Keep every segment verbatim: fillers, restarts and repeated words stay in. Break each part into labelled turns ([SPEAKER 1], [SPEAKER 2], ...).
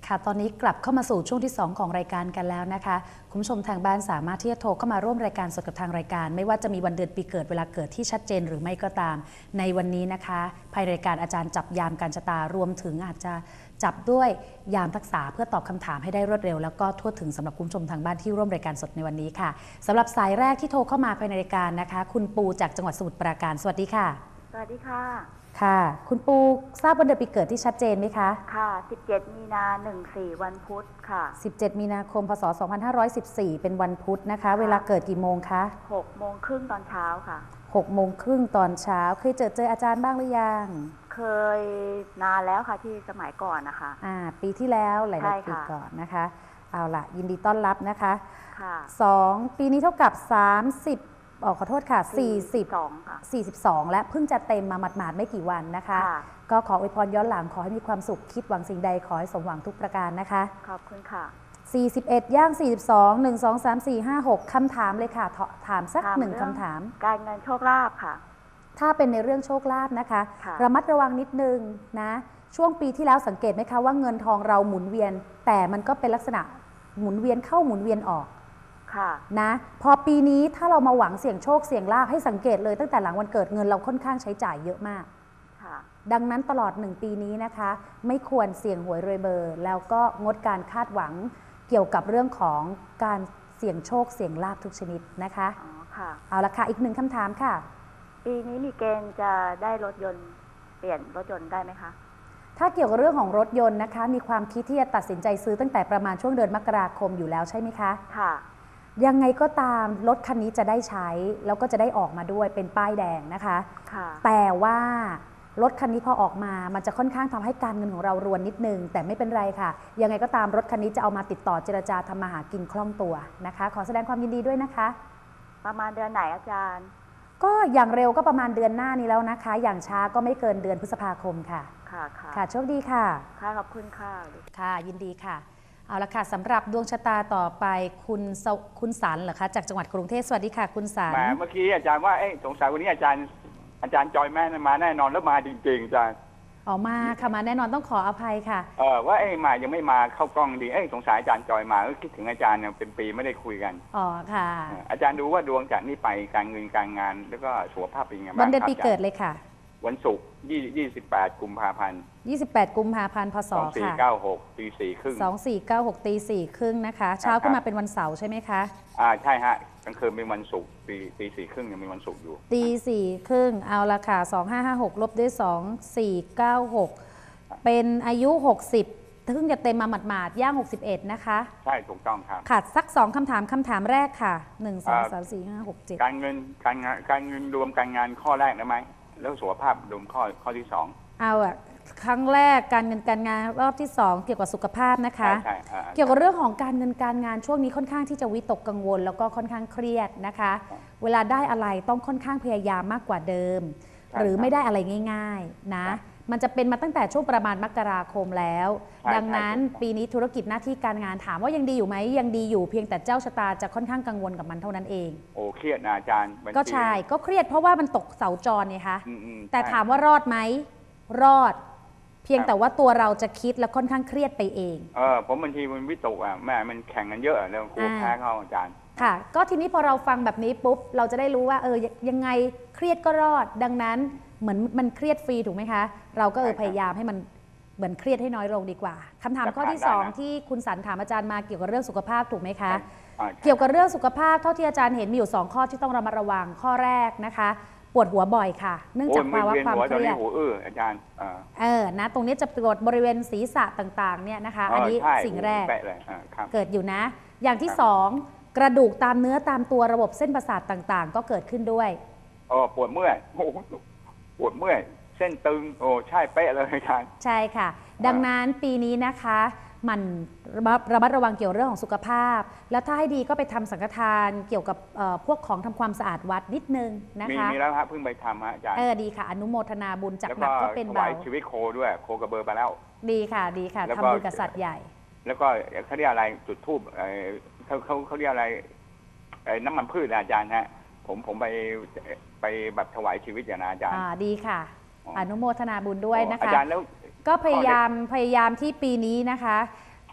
[SPEAKER 1] ค่ะตอนนี้กลับเข้ามาสู่ช่วงที่สองของรายการกันแล้วนะคะคุณผู้ชมทางบ้านสามารถที่จะโทรเข้ามาร่วมรายการสดกับทางรายการไม่ว่าจะมีวันเดือนปีเกิดเวลาเกิดที่ชัดเจนหรือไม่ก็ตามในวันนี้นะคะภายในรายการอาจารย์จับยามการชะตารวมถึงอาจจะจับด้วยยามทักษะเพื่อตอบคำถามให้ได้รวดเร็วแล้วก็ทั่วถึงสำหรับคุณผู้ชมทางบ้านที่ร่วมรายการสดในวันนี้ค่ะสำหรับสายแรกที่โทรเข้ามาภายในรายการนะคะคุณปูจากจังหวัดสมุทรปราการสวัสดีค่ะ
[SPEAKER 2] สวัสดีค่ะ
[SPEAKER 1] ค่ะคุณปูทราบวันเดือนปีเกิดที่ชัดเจนไหมคะ
[SPEAKER 2] ค่ะสิบเจ็ดมีนาหนึ่งสี่วันพุธค่ะ
[SPEAKER 1] สิบเจ็ดมีนาคมพศสองพันห้าร้อยสิบสี่เป็นวันพุธนะคะเวลาเกิดกี่โมงคะ
[SPEAKER 2] หกโมงครึ่งตอนเช้าค่ะ
[SPEAKER 1] หกโมงครึ่งตอนเช้าเคยเจอเจออาจารย์บ้างหรือยัง
[SPEAKER 2] เคยนานแล้วค่ะที่สมัยก่อนนะคะ
[SPEAKER 1] อ่าปีที่แล้วหลายๆปีก่อนนะคะเอาล่ะยินดีต้อนรับนะคะ
[SPEAKER 2] ค่ะ
[SPEAKER 1] สองปีนี้เท่ากับสามสิบออขอโทษค่ะสี่สิบ
[SPEAKER 2] สองค่ะ
[SPEAKER 1] สี่สิบสองและเพิ่งจะเต็มมาหมาดๆไม่กี่วันนะคะก็ขออวยพรย้อนหลังขอให้มีความสุขคิดหวังสิ่งใดขอให้สมหวังทุกประการนะคะ
[SPEAKER 2] ขอบคุณค่ะ
[SPEAKER 1] สี่สิบเอ็ดย่างสี่สิบสอง หนึ่ง สอง สาม สี่ ห้า หกคำถามเลยค่ะถามสักหนึ่งคำถาม
[SPEAKER 2] การเงินโชคลาภค่ะ
[SPEAKER 1] ถ้าเป็นในเรื่องโชคลาภนะคะระมัดระวังนิดนึงนะช่วงปีที่แล้วสังเกตไหมคะว่าเงินทองเราหมุนเวียนแต่มันก็เป็นลักษณะหมุนเวียนเข้าหมุนเวียนออกนะพอปีนี้ถ้าเรามาหวังเสี่ยงโชคเสี่ยงลาภให้สังเกตเลยตั้งแต่หลังวันเกิดเงินเราค่อนข้างใช้จ่ายเยอะมากดังนั้นตลอดหนึ่งปีนี้นะคะไม่ควรเสี่ยงหวยรวยเบอร์แล้วก็งดการคาดหวังเกี่ยวกับเรื่องของการเสี่ยงโชคเสี่ยงลาภทุกชนิดนะคะ
[SPEAKER 2] อ๋อค่ะ
[SPEAKER 1] เอาละค่ะอีกหนึ่งคำถามค่ะ
[SPEAKER 2] ปีนี้มีเกณฑ์จะได้รถยนต์เปลี่ยนรถยนต์ได้ไหมคะ
[SPEAKER 1] ถ้าเกี่ยวกับเรื่องของรถยนต์นะคะมีความคิดที่จะตัดสินใจซื้อตั้งแต่ประมาณช่วงเดือนมกราคมอยู่แล้วใช่ไหมคะ
[SPEAKER 2] ค่ะ
[SPEAKER 1] ยังไงก็ตามรถคันนี้จะได้ใช้แล้วก็จะได้ออกมาด้วยเป็นป้ายแดงนะคะแต่ว่ารถคันนี้พอออกมามันจะค่อนข้างทำให้การเงินของเรารวนนิดนึงแต่ไม่เป็นไรค่ะยังไงก็ตามรถคันนี้จะเอามาติดต่อเจรจาทำมาหากินคล่องตัวนะคะขอแสดงความยินดีด้วยนะคะ
[SPEAKER 2] ประมาณเดือนไหนอาจารย์
[SPEAKER 1] ก็อย่างเร็วก็ประมาณเดือนหน้านี้แล้วนะคะอย่างช้าก็ไม่เกินเดือนพฤษภาคมค่ะ
[SPEAKER 2] ค่ะค่ะ
[SPEAKER 1] ค่ะโชคดีค่ะ
[SPEAKER 2] ค่ะขอบคุณค่ะ
[SPEAKER 1] ค่ะยินดีค่ะเอาละค่ะสำหรับดวงชะตาต่อไปคุณคุณสันเหรอคะจากจังหวัดกรุงเทพสวัสดีค่ะคุณสัน
[SPEAKER 3] เมื่อกี้อาจารย์ว่าสงสัยวันนี้อาจารย์อาจารย์จอยแม่มาแน่นอนแล้วมาจริงๆอาจารย์
[SPEAKER 1] อ๋อมาค่ะมาแน่นอนต้องขออภัยค่ะ
[SPEAKER 3] เออว่าไอ้มายังไม่มาเข้ากล้องดีเอ้สงสัยอาจารย์จอยมาก็คิดถึงอาจารย์เนี่ยเป็นปีไม่ได้คุยกัน
[SPEAKER 1] อ๋อค่ะ
[SPEAKER 3] อาจารย์ดูว่าดวงจากนี้ไปการเงินการงานแล้วก็สุขภาพเป็นยังไงบ้าง
[SPEAKER 1] วันเดือนปีเกิดเลยค่ะ
[SPEAKER 3] วันศุกร์ยี่สิบแปดกุมภาพันธ์
[SPEAKER 1] ยี่สิบแปดกุมภาพันธ์พศค่ะสองสี่
[SPEAKER 3] เก้าหกตีสี่ครึ่ง
[SPEAKER 1] สองสี่เก้าหกตีสี่ครึ่งนะคะเช้าขึ้นมาเป็นวันเสาร์ใช่ไหมคะ
[SPEAKER 3] อ่าใช่ฮะกลางคืนเป็นวันศุกร์ตีตีสี่ครึ่งยังมีวันศุกร์อยู่
[SPEAKER 1] ตีสี่ครึ่งเอาละค่ะสองห้าห้าหกลบด้วยสองสี่เก้าหกเป็นอายุหกสิบเพิ่งจะเต็มมาหมาดๆย่างหกสิบเอ็ดนะคะ
[SPEAKER 3] ใช่ถูกต้องครับ
[SPEAKER 1] ค่ะสักสองคำถามคำถามแรกค่ะหนึ่งสองสามสี่ห้าหกเจ็ด
[SPEAKER 3] การเงินการงานการเงินรวมการงานข้อแรกได้ไหมแล้วสุขภาพรวมข้อข้อที่สอง
[SPEAKER 1] เอาอะครั้งแรกการเงินการงานรอบที่สองเกี่ยวกับสุขภาพนะคะเกี่ยวกับเรื่องของการเงินการงานช่วงนี้ค่อนข้างที่จะวิตกกังวลแล้วก็ค่อนข้างเครียดนะคะเวลาได้อะไรต้องค่อนข้างพยายามมากกว่าเดิมหรือไม่ได้อะไรง่ายๆนะมันจะเป็นมาตั้งแต่ช่วงประมาณมกราคมแล้วดังนั้นปีนี้ธุรกิจหน้าที่การงานถามว่ายังดีอยู่ไหมยังดีอยู่เพียงแต่เจ้าชะตาจะค่อนข้างกังวลกับมันเท่านั้นเอง
[SPEAKER 3] โอ้เครียดนะอาจารย์
[SPEAKER 1] ก็ใช่ก็เครียดเพราะว่ามันตกเสาจรไงคะแต่ถามว่ารอดไหมรอดเพียงแต่ว่าตัวเราจะคิดแล้วค่อนข้างเครียดไปเอง
[SPEAKER 3] เออผมบางทีมันวิตกอ่ะแม่มันแข่งกันเยอะแล้วกูแพ้เขาอาจารย์
[SPEAKER 1] ค่ะก็ทีนี้พอเราฟังแบบนี้ปุ๊บเราจะได้รู้ว่าเออยังไงเครียดก็รอดดังนั้นเหมือนมันเครียดฟรีถูกไหมคะเราก็เออพยายามให้มันเหมือนเครียดให้น้อยลงดีกว่าคำถามข้อที่สองที่คุณสันถามอาจารย์มาเกี่ยวกับเรื่องสุขภาพถูกไหมคะเกี่ยวกับเรื่องสุขภาพเท่าที่อาจารย์เห็นมีอยู่สองข้อที่ต้องระมัดระวังข้อแรกนะคะปวดหัวบ่อยค่ะเนื่องจากภาวะความเครียด
[SPEAKER 3] หัวเอออาจารย์
[SPEAKER 1] เออนะตรงนี้จะปวดบริเวณศีรษะต่างๆเนี่ยนะคะอันนี้สิ่งแรกเกิดอยู่นะอย่างที่สองกระดูกตามเนื้อตามตัวระบบเส้นประสาทต่างๆก็เกิดขึ้นด้วย
[SPEAKER 3] อ๋อปวดเมื่อยปวดเมื่อยเส้นตึงโอ้ใช่เป๊ะเลยอาจารย์
[SPEAKER 1] ใช่ค่ะดังนั้นปีนี้นะคะมันระมัดระวังเกี่ยวเรื่องของสุขภาพแล้วถ้าให้ดีก็ไปทำสังฆทานเกี่ยวกับพวกของทำความสะอาดวัดนิดนึงนะคะ
[SPEAKER 3] มีแล้วครับเพิ่งไปทำฮะอาจารย์
[SPEAKER 1] เออดีค่ะอนุโมทนาบุญจากหนักก็เป็นเบา
[SPEAKER 3] แล้วก็ชีวิตโคด้วยโคกระเบอร์ไปแล้ว
[SPEAKER 1] ดีค่ะดีค่ะทำบุญกับสัตว์ใหญ่
[SPEAKER 3] แล้วก็เขาเรียกอะไรจุดธูปเขาเขาเขาเรียกอะไรน้ำมันพืชอาจารย์ฮะผมผมไปไปแบบถวายชีวิตอย่างนะอาจารย์
[SPEAKER 1] อ่าดีค่ะอนุโมทนาบุญด้วยนะคะ
[SPEAKER 3] อาจารย์แล้ว
[SPEAKER 1] ก็พยายามพยายามที่ปีนี้นะคะ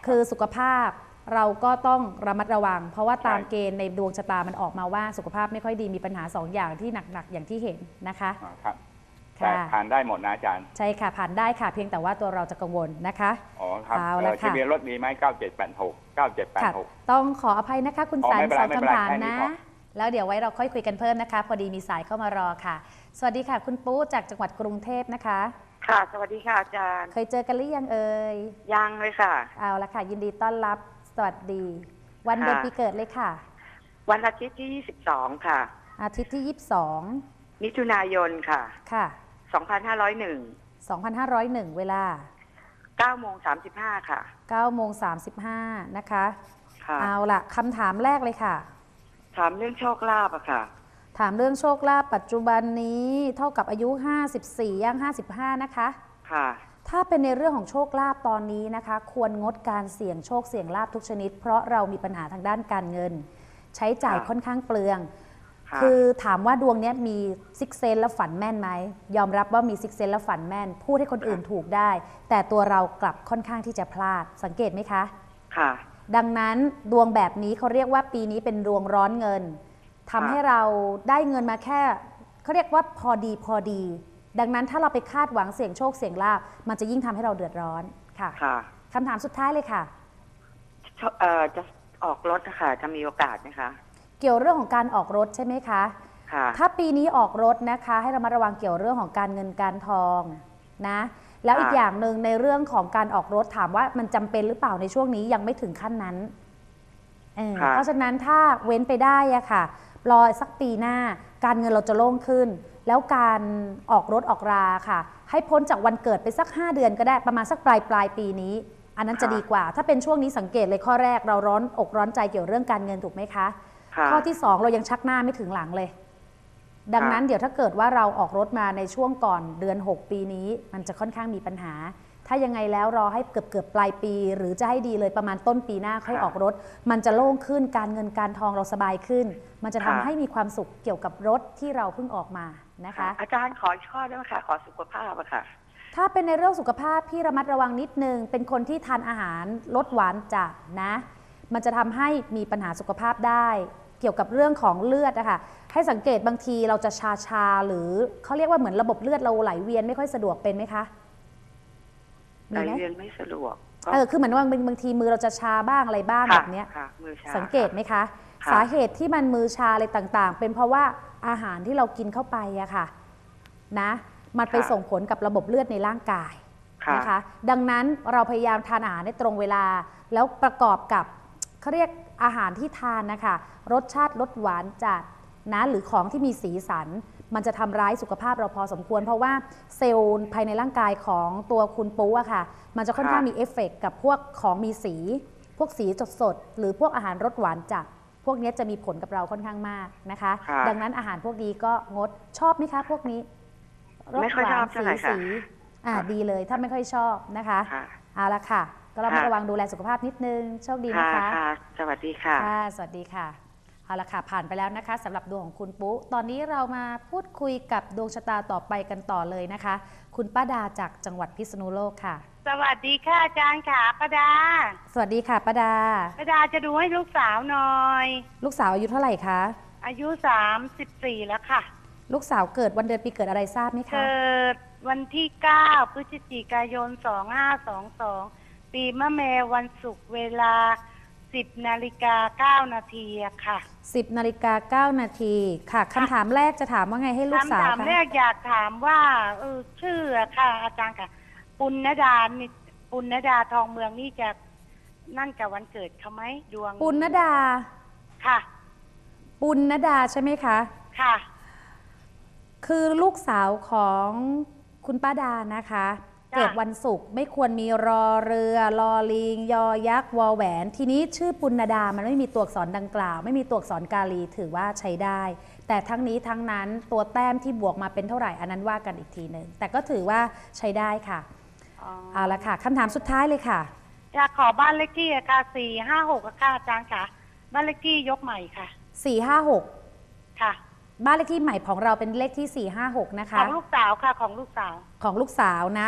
[SPEAKER 1] คือสุขภาพเราก็ต้องระมัดระวัง เพราะว่าตามเกณฑ์ในดวงชะตามันออกมาว่าสุขภาพไม่ค่อยดีมีปัญหาสองอย่างที่หนักๆอย่างที่เห็นนะคะ
[SPEAKER 3] ครับแต่ผ่านได้หมดนะอาจารย์
[SPEAKER 1] ใช่ค่ะผ่านได้ค่ะเพียงแต่ว่าตัวเราจะกังวลนะคะ
[SPEAKER 3] อ๋อครับทะเบียนรถมีไหมเก้าเจ็ดแปดหก เก้าเจ็ดแปดหก
[SPEAKER 1] ต้องขออภัยนะคะคุณสายสองคำถามนะแล้วเดี๋ยวไว้เราค่อยคุยกันเพิ่มนะคะพอดีมีสายเข้ามารอค่ะสวัสดีค่ะคุณปู๊จากจังหวัดกรุงเทพนะคะ
[SPEAKER 4] ค่ะสวัสดีค่ะอาจารย์
[SPEAKER 1] เคยเจอกันหรือยังเอ่ย
[SPEAKER 4] ยังเลยค่ะ
[SPEAKER 1] เอาละค่ะยินดีต้อนรับสวัสดีวันเดือนปีเกิดเลยค่ะ
[SPEAKER 4] วันอาทิตย์ที่ยี่สิบสองค่ะ
[SPEAKER 1] อาทิตย์ที่ยี่สิบสอง
[SPEAKER 4] มิถุนายนค่ะ
[SPEAKER 1] ค่ะ
[SPEAKER 4] สองพันห้าร้อยหนึ่ง
[SPEAKER 1] สองพันห้าร้อยหนึ่งเวลา
[SPEAKER 4] เก้าโมงสามสิบห้า ค่ะ
[SPEAKER 1] เก้าโมงสามสิบห้า นะคะ
[SPEAKER 4] ค่ะ
[SPEAKER 1] เอาล่ะคำถามแรกเลยค่ะ
[SPEAKER 4] ถามเรื่องโชคลาภอะค่ะ
[SPEAKER 1] ถามเรื่องโชคลาภปัจจุบันนี้เท่ากับอายุห้าสิบสี่ย่างห้าสิบห้านะคะ
[SPEAKER 4] ค่ะ
[SPEAKER 1] ถ้าเป็นในเรื่องของโชคลาภตอนนี้นะคะควรงดการเสี่ยงโชคเสี่ยงลาภทุกชนิดเพราะเรามีปัญหาทางด้านการเงินใช้จ่ายค่อนข้างเปลืองคือถามว่าดวงนี้มีซิกเซนแล้วฝันแม่นไหมยอมรับว่ามีซิกเซนแล้วฝันแม่นพูดให้คนอื่นถูกได้แต่ตัวเรากลับค่อนข้างที่จะพลาดสังเกตไหมคะ
[SPEAKER 4] ค่ะ
[SPEAKER 1] ดังนั้นดวงแบบนี้เขาเรียกว่าปีนี้เป็นดวงร้อนเงินทำให้เราได้เงินมาแค่เขาเรียกว่าพอดีพอดีดังนั้นถ้าเราไปคาดหวังเสี่ยงโชคเสี่ยงลาภมันจะยิ่งทำให้เราเดือดร้อนค่ะคำถามสุดท้ายเลยค่ะ
[SPEAKER 4] เอ่อจะออกรถนะคะจะมีโอกาสไหมคะ
[SPEAKER 1] เกี่ยวเรื่องของการออกรถใช่ไหมคะ
[SPEAKER 4] ค่ะ
[SPEAKER 1] ถ้าปีนี้ออกรถนะคะให้เรามาระวังเกี่ยวเรื่องของการเงินการทองนะแล้วอีกอย่างหนึ่งในเรื่องของการออกรถถามว่ามันจำเป็นหรือเปล่าในช่วงนี้ยังไม่ถึงขั้นนั้นเ, เพราะฉะนั้นถ้าเว้นไปได้อะค่ะรอสักปีหน้าการเงินเราจะโล่งขึ้นแล้วการออกรถออกราค่ะให้พ้นจากวันเกิดไปสักห้าเดือนก็ได้ประมาณสักปลายปลายปีนี้อันนั้นจะดีกว่าถ้าเป็นช่วงนี้สังเกตเลยข้อแรกเราร้อนอกร้อนใจเกี่ยวเรื่องการเงินถูกไหมคะข้อที่สองเรายังชักหน้าไม่ถึงหลังเลยดังนั้นเดี๋ยวถ้าเกิดว่าเราออกรถมาในช่วงก่อนเดือนหกปีนี้มันจะค่อนข้างมีปัญหาถ้ายังไงแล้วรอให้เกือบเกือบปลายปีหรือจะให้ดีเลยประมาณต้นปีหน้าค่อยออกรถมันจะโล่งขึ้นการเงินการทองเราสบายขึ้นมันจะทำให้มีความสุขเกี่ยวกับรถที่เราเพิ่งออกมานะคะ
[SPEAKER 4] อาจารย์ขอข้อได้ไหมคะขอสุขภาพอะค่ะ
[SPEAKER 1] ถ้าเป็นในเรื่องสุขภาพพี่ระมัดระวังนิดนึงเป็นคนที่ทานอาหารลดหวานจัดนะมันจะทำให้มีปัญหาสุขภาพได้เกี่ยวกับเรื่องของเลือดนะคะให้สังเกตบางทีเราจะชาชาหรือเขาเรียกว่าเหมือนระบบเลือดเราไหลเวียนไม่ค่อยสะดวกเป็นไหมคะ
[SPEAKER 4] ไหลเวียนไม่สะดวก
[SPEAKER 1] เออคือเหมือนว่าบางทีมือเราจะชาบ้างอะไรบ้างแบบนี้สังเกตไหมคะสาเหตุที่มันมือชาอะไรต่างๆเป็นเพราะว่าอาหารที่เรากินเข้าไปอะค่ะนะมันไปส่งผลกับระบบเลือดในร่างกายนะคะดังนั้นเราพยายามทานอาหารในตรงเวลาแล้วประกอบกับเขาเรียกอาหารที่ทานนะคะรสชาติรสหวานจัดนะหรือของที่มีสีสันมันจะทำร้ายสุขภาพเราพอสมควรเพราะว่าเซลล์ภายในร่างกายของตัวคุณปูอะค่ะมันจะค่อนข้างมีเอฟเฟกต์กับพวกของมีสีพวกสีสดๆหรือพวกอาหารรสหวานจัดพวกนี้จะมีผลกับเราค่อนข้างมากนะคะดังนั้นอาหารพวกนี้ก็งดชอบไหมคะพวกนี้
[SPEAKER 4] รสหวานสีสี
[SPEAKER 1] อ่าดีเลยถ้าไม่ค่อยชอบนะคะเอาละค่ะก็เราระวังดูแลสุขภาพนิดนึงโชคดีนะคะ
[SPEAKER 4] สวัสดีค่ะ
[SPEAKER 1] ค่ะสวัสดีค่ะเอาละค่ะผ่านไปแล้วนะคะสำหรับดวงของคุณปุ๊ตอนนี้เรามาพูดคุยกับดวงชะตาต่อไปกันต่อเลยนะคะคุณป้าดาจากจังหวัดพิษณุโลกค่ะ
[SPEAKER 5] สวัสดีค่ะอาจารย์ค่ะป้าดา
[SPEAKER 1] สวัสดีค่ะป้าดา
[SPEAKER 5] ป้าดาจะดูให้ลูกสาวหน่อย
[SPEAKER 1] ลูกสาวอายุเท่าไหร่คะ
[SPEAKER 5] อายุสามสิบสี่แล้วค่ะ
[SPEAKER 1] ลูกสาวเกิดวันเดือนปีเกิดอะไรทราบไหมคะ
[SPEAKER 5] เกิดวันที่เก้าพฤศจิกายนสองห้าสองสองปีมะแม่วันศุกร์เวลาสิบนาฬิกาเก้านาทีค่ะ
[SPEAKER 1] สิบนาฬิกาเก้านาทีค่ะคำถามแรกจะถามว่าไงให้ลูกสาว
[SPEAKER 5] คำถามแรกอยากถามว่าเออชื่อค่ะอาจารย์ค่ะปุณณดาปุณณดาทองเมืองนี่จะนั่นกับวันเกิดเขาไหมดวง
[SPEAKER 1] ปุณณดา
[SPEAKER 5] ค่ะ
[SPEAKER 1] ปุณณดาใช่ไหมคะ
[SPEAKER 5] ค่ะ
[SPEAKER 1] คือลูกสาวของคุณป้าดานะคะเกิดวันศุกร์ไม่ควรมีรอเรือลอลิงยอยักษ์วอแหวนทีนี้ชื่อปุณณดามันไม่มีตัวอักษรดังกล่าวไม่มีตัวอักษรกาลีถือว่าใช้ได้แต่ทั้งนี้ทั้งนั้นตัวแต้มที่บวกมาเป็นเท่าไหร่อันนั้นว่ากันอีกทีหนึ่งแต่ก็ถือว่าใช้ได้ค่ะเอาละค่ะคำถามสุดท้ายเลยค่ะ
[SPEAKER 5] อยากขอบ้านเลขที่ค่ะสี่ห้าหกค่ะอาจารย์ค่ะบ้านเลขที่ยกใหม่ค่ะ
[SPEAKER 1] สี่ห้าหก
[SPEAKER 5] ค่ะ
[SPEAKER 1] บ้านเลขที่ใหม่ของเราเป็นเลขที่สี่ห้าหกนะคะ
[SPEAKER 5] ของลูกสาวค่ะของลูกสาว
[SPEAKER 1] ของลูกสาวนะ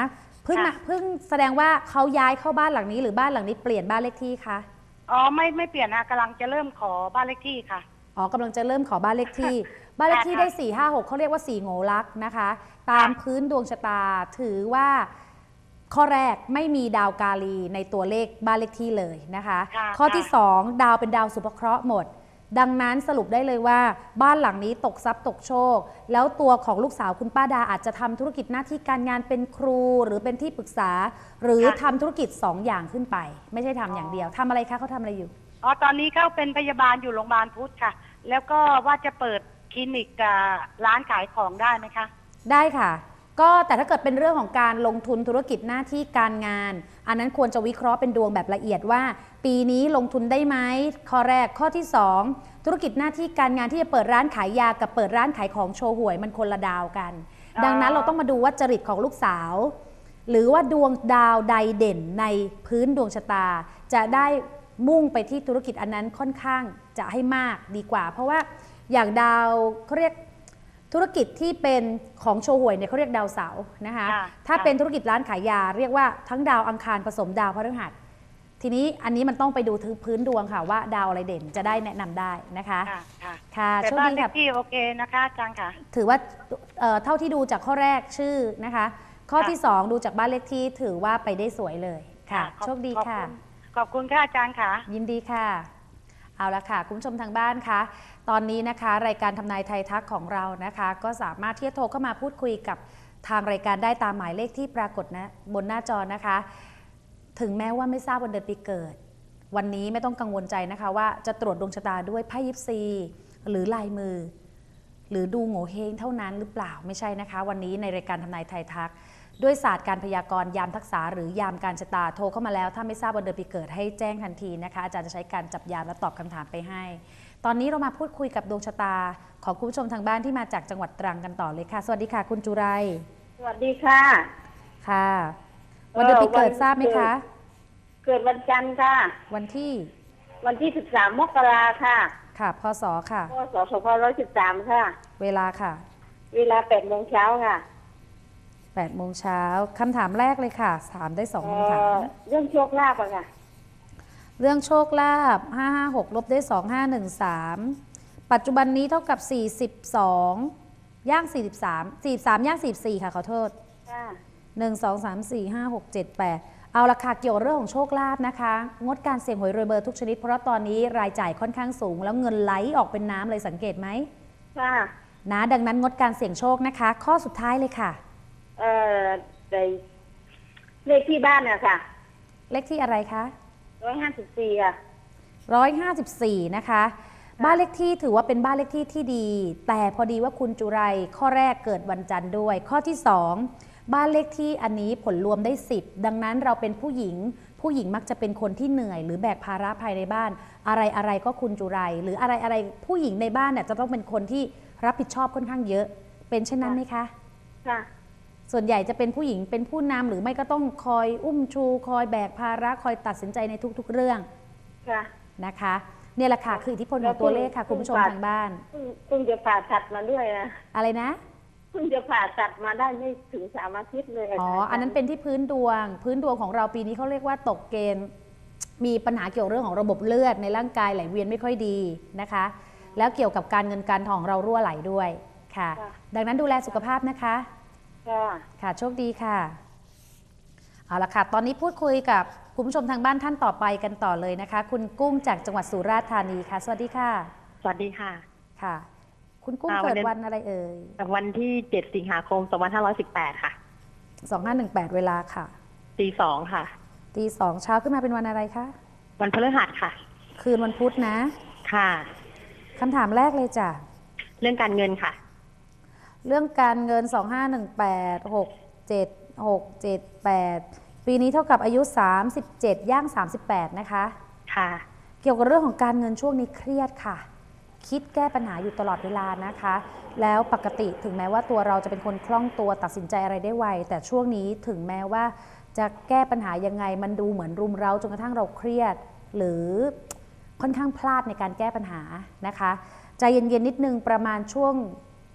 [SPEAKER 1] พิ่งมาเพิ่งแสดงว่าเขาย้ายเข้าบ้านหลังนี้หรือบ้านหลังนี้เปลี่ยนบ้านเลขที่คะ
[SPEAKER 5] อ๋อไม่ไม่เปลี่ยนนะกำลังจะเริ่มขอบ้านเลขที่ค่ะ
[SPEAKER 1] อ๋อกำลังจะเริ่มขอบ้านเลขที่ บ้านเลขที่ได้สี่ห้าหกเขาเรียกว่าสี่โงลักนะคะ ตามพื้นดวงชะตาถือว่าข้อแรกไม่มีดาวกาลีในตัวเลขบ้านเลขที่เลยนะคะข้อที่สองดาวเป็นดาวสุภเคราะห์หมดดังนั้นสรุปได้เลยว่าบ้านหลังนี้ตกทรัพย์ตกโชคแล้วตัวของลูกสาวคุณป้าดาอาจจะทำธุรกิจหน้าที่การงานเป็นครูหรือเป็นที่ปรึกษาหรือทำธุรกิจสองอย่างขึ้นไปไม่ใช่ทำอย่างเดียวทำอะไรคะเขาทำอะไรอยู่
[SPEAKER 5] อ๋อตอนนี้เขาเป็นพยาบาลอยู่โรงพยาบาลพุทธค่ะแล้วก็ว่าจะเปิดคลินิกร้านขายของได้ไหมคะ
[SPEAKER 1] ได้ค่ะก็แต่ถ้าเกิดเป็นเรื่องของการลงทุนธุรกิจหน้าที่การงานอันนั้นควรจะวิเคราะห์เป็นดวงแบบละเอียดว่าปีนี้ลงทุนได้ไหมข้อแรกข้อที่สองธุรกิจหน้าที่การงานที่จะเปิดร้านขายยากับเปิดร้านขายของโชว์หวยมันคนละดาวกันดังนั้นเราต้องมาดูว่าจริตของลูกสาวหรือว่าดวงดาวใดเด่นในพื้นดวงชะตาจะได้มุ่งไปที่ธุรกิจอันนั้นค่อนข้างจะให้มากดีกว่าเพราะว่าอย่างดาวเขาเรียกธุรกิจที่เป็นของโชว์หวยเนี่ยเขาเรียกดาวเสาร์นะคะถ้าเป็นธุรกิจร้านขายยาเรียกว่าทั้งดาวอังคารผสมดาวพฤหัสทีนี้อันนี้มันต้องไปดูพื้นดวงค่ะว่าดาวอะไรเด่นจะได้แนะนำได้นะคะ
[SPEAKER 5] ค่ะโชคดีค่ะที่โอเคนะคะอาจารย์ค่ะ
[SPEAKER 1] ถือว่าเท่าที่ดูจากข้อแรกชื่อนะคะข้อที่สองดูจากบ้านเลขที่ถือว่าไปได้สวยเลยค่ะโชคดีค่ะ
[SPEAKER 5] ขอบคุณค่ะอาจารย์ค่ะ
[SPEAKER 1] ยินดีค่ะเอาละค่ะคุณผู้ชมทางบ้านคะตอนนี้นะคะรายการทำนายไทยทักของเรานะคะก็สามารถที่จะโทรเข้ามาพูดคุยกับทางรายการได้ตามหมายเลขที่ปรากฏนะบนหน้าจอนะคะถึงแม้ว่าไม่ทราบวันเดือนปีเกิดวันนี้ไม่ต้องกังวลใจนะคะว่าจะตรวจดวงชะตาด้วยไพ่ยิปซีหรือลายมือหรือดูโง่เฮงเท่านั้นหรือเปล่าไม่ใช่นะคะวันนี้ในรายการทำนายไทยทักด้วยศาสตร์การพยากรณ์ยามทักษะหรือยามการชะตาโทรเข้ามาแล้วถ้าไม่ทราบวันเดือนปีเกิดให้แจ้งทันทีนะคะอาจารย์จะใช้การจับยามและตอบคำถามไปให้ตอนนี้เรามาพูดคุยกับดวงชะตาของคุณผู้ชมทางบ้านที่มาจากจังหวัดตรังกันต่อเลยค่ะสวัสดีค่ะคุณจุไร
[SPEAKER 6] สวัสดีค่ะ
[SPEAKER 1] ค่ะวันเดือนปีเกิดทราบไหมคะ
[SPEAKER 6] เกิดวันจันทร์ค่ะ
[SPEAKER 1] วันที่
[SPEAKER 6] วันที่สิบสามมกราค่ะ
[SPEAKER 1] ค่ะพศค่ะ
[SPEAKER 6] พศสองพันห้าร้อยสิบสามค่ะ
[SPEAKER 1] เวลาค่ะ
[SPEAKER 6] เวลาแปดโมงเช้าค่ะ
[SPEAKER 1] แปดโมงเช้าคำถามแรกเลยค่ะถามได้สองคำถาม
[SPEAKER 6] เรื่องโชคลาภอะค่ะ
[SPEAKER 1] เรื่องโชคลาภห้าห้าหกลบได้สองห้าหนึ่งสามปัจจุบันนี้เท่ากับสี่สิบสองย่างสี่สิบสามสี่สิบสามย่างสี่สิบสี่ค่ะขอโทษหนึ่งสองสามสี่ห้าหกเจ็ดแปดเอาราคาเกี่ยวเรื่องของโชคลาภนะคะงดการเสี่ยงหวยรวยเบอร์ทุกชนิดเพราะตอนนี้รายจ่ายค่อนข้างสูงแล้วเงินไหลออกเป็นน้ำเลยสังเกตไหม
[SPEAKER 6] ค่ะ
[SPEAKER 1] นะดังนั้นงดการเสี่ยงโชคนะคะข้อสุดท้ายเลยค่ะ
[SPEAKER 6] เอ่อเลขที่บ้านเนี่ยค่ะ
[SPEAKER 1] เลขที่อะไรคะ
[SPEAKER 6] ร้อยห้าสิบสี่อ่ะ
[SPEAKER 1] ร้อยห้าสิบสี่นะคะบ้านเลขที่ถือว่าเป็นบ้านเลขที่ที่ดีแต่พอดีว่าคุณจุไรข้อแรกเกิดวันจันทร์ด้วยข้อที่สองบ้านเลขที่อันนี้ผลรวมได้สิบดังนั้นเราเป็นผู้หญิงผู้หญิงมักจะเป็นคนที่เหนื่อยหรือแบกภาระภายในบ้านอะไรอะไรก็คุณจุไรหรืออะไรอะไรผู้หญิงในบ้านเนี่ยจะต้องเป็นคนที่รับผิดชอบค่อนข้างเยอะเป็นเช่นนั้นไหมคะ
[SPEAKER 6] ค่ะ
[SPEAKER 1] ส่วนใหญ่จะเป็นผู้หญิงเป็นผู้นำหรือไม่ก็ต้องคอยอุ้มชูคอยแบกภาระคอยตัดสินใจในทุกๆเรื่องนะคะเนี่ยแหละค่ะคืออิทธิพลของตัวเลขค่ะคุณผู้ชมทางบ้าน
[SPEAKER 6] เพิ่งจะผ่าตัดมาด้วยนะ
[SPEAKER 1] อะไรนะ
[SPEAKER 6] เพิ่งจะผ่าตัดมาได้ไม่ถึงสามอาทิตย์เลย
[SPEAKER 1] อ๋ออันนั้นเป็นที่พื้นดวงพื้นดวงของเราปีนี้เขาเรียกว่าตกเกณฑ์มีปัญหาเกี่ยวเรื่องของระบบเลือดในร่างกายไหลเวียนไม่ค่อยดีนะคะแล้วเกี่ยวกับการเงินการทองเรารั่วไหลด้วยค่ะดังนั้นดูแลสุขภาพนะคะค่ะโชคดีค่ะเอาละค่ะตอนนี้พูดคุยกับคุณผู้ชมทางบ้านท่านต่อไปกันต่อเลยนะคะคุณกุ้งจากจังหวัดสุราษฎร์ธานีค่ะสวัสดีค่ะ
[SPEAKER 7] สวัสดีค่ะ
[SPEAKER 1] ค่ะคุณกุ้งเกิดวันอะไรเอ่ย
[SPEAKER 7] วันที่เจ็ดสิงหาคมสองพันห้าร้อยสิบแปดค่ะ
[SPEAKER 1] สองห้าหนึ่งแปดเวลาค่ะ
[SPEAKER 7] ตีสองค่ะ
[SPEAKER 1] ตีสองเช้าขึ้นมาเป็นวันอะไรคะ
[SPEAKER 7] วันพฤหัสค่ะ
[SPEAKER 1] คืนวันพุธนะ
[SPEAKER 7] ค่ะ
[SPEAKER 1] คำถามแรกเลยจ้ะ
[SPEAKER 7] เรื่องการเงินค่ะ
[SPEAKER 1] เรื่องการเงินสองห้าหนึ่งแปด หก เจ็ด หก เจ็ด แปดปีนี้เท่ากับอายุสามสิบเจ็ดย่างสามสิบแปดนะคะ
[SPEAKER 7] ค่ะ
[SPEAKER 1] เกี่ยวกับเรื่องของการเงินช่วงนี้เครียดค่ะคิดแก้ปัญหาอยู่ตลอดเวลานะคะแล้วปกติถึงแม้ว่าตัวเราจะเป็นคนคล่องตัวตัดสินใจอะไรได้ไวแต่ช่วงนี้ถึงแม้ว่าจะแก้ปัญหายังไงมันดูเหมือนรุมเร้าจนกระทั่งเราเครียดหรือค่อนข้างพลาดในการแก้ปัญหานะคะใจเย็นๆนิดนึงประมาณช่วง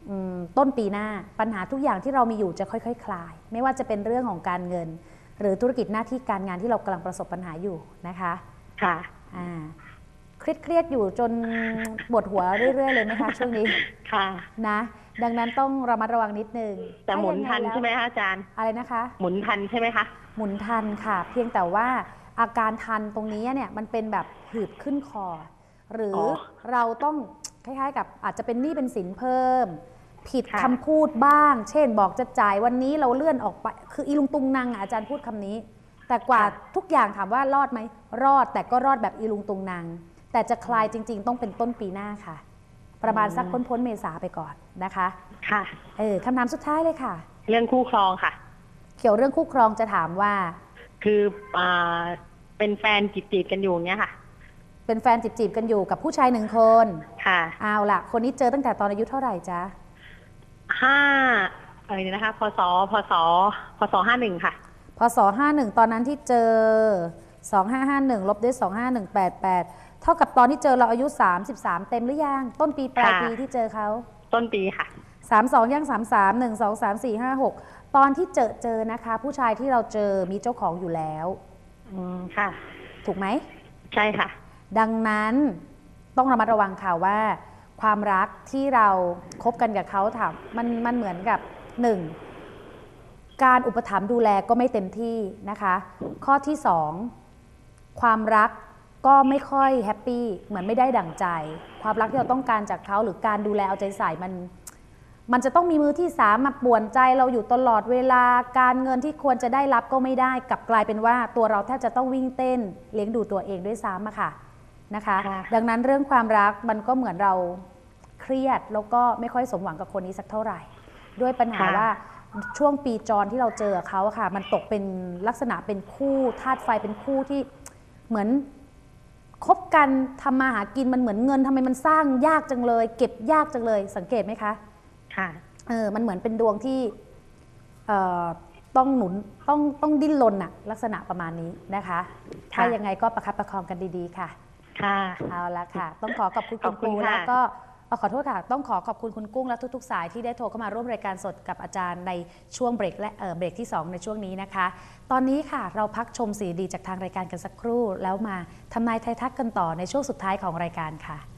[SPEAKER 1] ต้นปีหน้าปัญหาทุกอย่างที่เรามีอยู่จะค่อยๆ ค, คลายไม่ว่าจะเป็นเรื่องของการเงินหรือธุรกิจหน้าที่การงานที่เรากำลังประสบปัญหาอยู่นะคะ
[SPEAKER 7] ค่ะ
[SPEAKER 1] อ่าเครียดๆอยู่จนปวดหัวเรื่อยๆเลยไหมคะช่วงนี้
[SPEAKER 7] ค่ะ
[SPEAKER 1] นะดังนั้นต้องระมัดระวังนิดนึง
[SPEAKER 7] แต่หมุนทันใช่ไหมคะอาจารย์
[SPEAKER 1] อะไรนะคะ
[SPEAKER 7] หมุนทันใช่ไหมคะ
[SPEAKER 1] หมุนทันค่ะเพียงแต่ว่าอาการทันตรงนี้เนี่ยมันเป็นแบบหืดขึ้นคอหรืออเราต้องคล้ายๆกับอาจจะเป็นหนี้เป็นสินเพิ่มผิดคำพูดบ้างเช่นบอกจะจ่ายวันนี้เราเลื่อนออกไปคืออีลุงตุงนางอาจารย์พูดคำนี้แต่กว่าทุกอย่างถามว่ารอดไหมรอดแต่ก็รอดแบบอีลุงตุงนางแต่จะคลายจริงๆต้องเป็นต้นปีหน้าค่ะประมาณสักพ้นพ้นเมษาไปก่อนนะคะ
[SPEAKER 7] ค่ะ
[SPEAKER 1] เออคำถามสุดท้ายเลยค่ะ
[SPEAKER 7] เรื่องคู่ครองค่ะ
[SPEAKER 1] เกี่ยวเรื่องคู่ครองจะถามว่า
[SPEAKER 7] คืออ่าเป็นแฟนจีบๆกันอยู่เนี้ยค่ะ
[SPEAKER 1] เป็นแฟนจีบๆกันอยู่กับผู้ชายหนึ่งคน
[SPEAKER 7] ค่ะ
[SPEAKER 1] เอาล่ะคนนี้เจอตั้งแต่ตอนอายุเท่าไหร่จ๊ะ
[SPEAKER 7] ห้าอะไรนะคะพศพศพศห้าหนึ่งค่ะ
[SPEAKER 1] พศห้าหนึ่งตอนนั้นที่เจอสองห้าห้าหนึ่งลบด้วยสองห้าหนึ่งแปดแปดเท่ากับตอนที่เจอเราอายุสามสิบสามเต็มหรือยังต้นปีปลายปีที่เจอเขา
[SPEAKER 7] ต้นปีค่ะ
[SPEAKER 1] สามสองย่างสามสามหนึ่งสองสามสี่ห้าหกตอนที่เจอเจอนะคะผู้ชายที่เราเจอมีเจ้าของอยู่แล้ว
[SPEAKER 7] อืมค่ะ
[SPEAKER 1] ถูกไหม
[SPEAKER 7] ใช่ค่ะ
[SPEAKER 1] ดังนั้นต้องระมัดระวังค่ะว่าความรักที่เราคบกันกับเขาถามมันมันเหมือนกับหนึ่งการอุปถัมภ์ดูแลก็ไม่เต็มที่นะคะข้อที่สองความรักก็ไม่ค่อยแฮปปี้เหมือนไม่ได้ดั่งใจความรักที่เราต้องการจากเขาหรือการดูแลเอาใจใส่มันมันจะต้องมีมือที่สามมาป่วนใจเราอยู่ตลอดเวลาการเงินที่ควรจะได้รับก็ไม่ได้กลับกลายเป็นว่าตัวเราแทบจะต้องวิ่งเต้นเลี้ยงดูตัวเองด้วยซ้ำอะค่ะนะคะดังนั้นเรื่องความรักมันก็เหมือนเราเครียดแล้วก็ไม่ค่อยสมหวังกับคนนี้สักเท่าไหร่ด้วยปัญหาว่าช่วงปีจรที่เราเจอเขาค่ะมันตกเป็นลักษณะเป็นคู่ธาตุไฟเป็นคู่ที่เหมือนคบกันทำมาหากินมันเหมือนเงินทำไมมันสร้างยากจังเลยเก็บยากจังเลยสังเกตไหมคะ
[SPEAKER 7] ค่ะ
[SPEAKER 1] เออมันเหมือนเป็นดวงที่เอ่อต้องหนุนต้องต้องดิ้นรนอะลักษณะประมาณนี้นะคะถ้ายังไงก็ประคับประคองกันดีๆค่ะ
[SPEAKER 7] ค่ะ
[SPEAKER 1] เอาละค่ะต้องขอขอบคุณคุณครูแล้วก็ขอโทษค่ะต้องขอขอบคุณคุณกุ้งและทุกๆสายที่ได้โทรเข้ามาร่วมรายการสดกับอาจารย์ในช่วงเบรกและเอ่อเบรกที่สองในช่วงนี้นะคะตอนนี้ค่ะเราพักชมสีดีจากทางรายการกันสักครู่แล้วมาทำนายไทยทักกันต่อในช่วงสุดท้ายของรายการค่ะ